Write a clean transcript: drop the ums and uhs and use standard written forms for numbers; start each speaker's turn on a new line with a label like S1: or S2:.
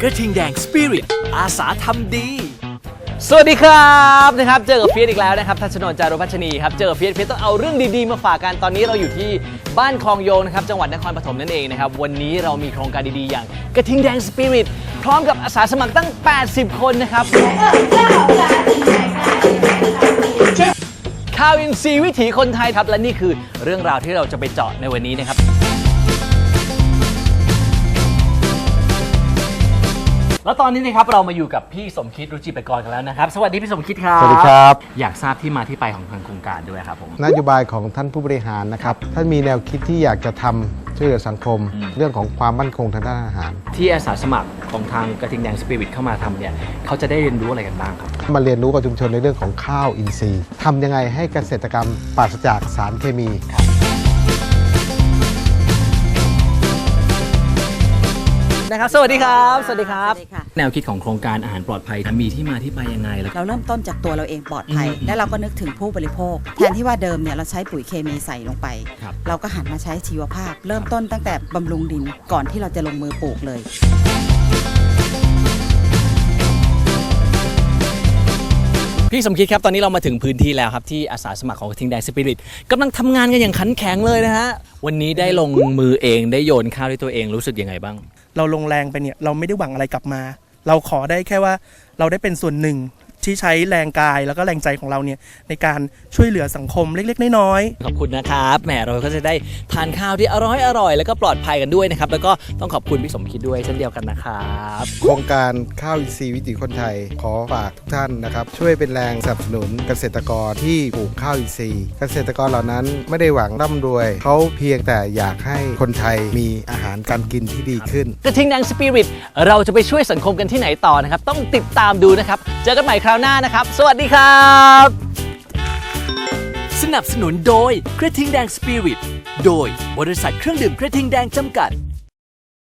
S1: กระทิงแดงสปิริตอาสาทำดี
S2: สวัสดีครับเจอกับเฟียสอีกแล้วนะครับทัชนนท์ จารุพัชนีครับเจอกับเฟียสต้องเอาเรื่องดีๆมาฝากกันตอนนี้เราอยู่ที่บ้านคลองโยงนะครับจังหวัดนครปฐมนั่นเองนะครับวันนี้เรามีโครงการดีๆอย่างกระทิงแดงสปิริตพร้อมกับอาสาสมัครตั้ง80คนนะครับข่าวอินทรีย์วิถีคนไทยครับและนี่คือเรื่องราวที่เราจะไปเจาะในวันนี้นะครับแล้วตอนนี้นะครับเรามาอยู่กับพี่สมคิดรุจิปกรกันแล้วนะครับสวัสดีพี่สมคิดครับ
S3: สวัสดีครับ
S2: อยากทราบที่มาที่ไปของทางโครงการด้วยครับผม
S3: นโยบายของท่านผู้บริหารนะครับท่านมีแนวคิดที่อยากจะทำช่วยเหลือสังคม เรื่องของความมั่นคงทางด้านอาหาร
S2: ที่อาสาสมัครของทางกระทิงแดงสปิริตเข้ามาทำเนี่ยเขาจะได้เรียนรู้อะไรกันบ้างครับ
S3: มาเรียนรู้กับชุมชนในเรื่องของข้าวอินทรีย์ทำยังไงให้เกษตรกรรมปราศจากสารเคมี
S2: นะครับสวัสดีครับสวัสดีครับแนวคิดของโครงการอาหารปลอดภัยมีที่มาที่ไปยังไงล่ะ
S4: เราเริ่มต้นจากตัวเราเองปลอดภัยและเราก็นึกถึงผู้บริโภคแทนที่ว่าเดิมเนี่ยเราใช้ปุ๋ยเคมีใส่ลงไปเราก็หันมาใช้ชีวภาพเริ่มต้นตั้งแต่บำรุงดินก่อนที่เราจะลงมือปลูกเลย
S2: พี่สมคิดครับตอนนี้เรามาถึงพื้นที่แล้วครับที่อาสาสมัครของกระทิงแดงสปิริตกำลังทำงานกันอย่างขันแข็งเลยนะฮะวันนี้ได้ลงมือเองได้โยนข้าวด้วยตัวเองรู้สึกยังไงบ้าง
S5: เราลงแรงไปเนี่ยเราไม่ได้หวังอะไรกลับมาเราขอได้แค่ว่าเราได้เป็นส่วนหนึ่งที่ใช้แรงกายแล้วก็แรงใจของเราเนี่ยในการช่วยเหลือสังคมเล็กๆน้อย
S2: ๆขอบคุณนะครับแหมเราก็จะได้ทานข้าวที่อร่อยแล้วก็ปลอดภัยกันด้วยนะครับแล้วก็ต้องขอบคุณพี่สมคิดด้วยเช่นเดียวกันนะครับ
S3: โครงการข้าวอินทรีย์วิถีคนไทยขอฝากทุกท่านนะครับช่วยเป็นแรงสนับสนุนเกษตรกรที่ปลูกข้าวอินทรีย์เกษตรกรเหล่านั้นไม่ได้หวังร่ำรวยเขาเพียงแต่อยากให้คนไทยมีอาหารการกินที่ดีขึ้น
S2: กระทิงแดงสปิริตเราจะไปช่วยสังคมกันที่ไหนต่อนะครับต้องติดตามดูนะครับเจอกันใหม่คราวหน้านะครับสวัสดีครับ
S1: สนับสนุนโดยกระทิงแดงสปิริตโดยบริษัทเครื่องดื่มกระทิงแดงจำกัด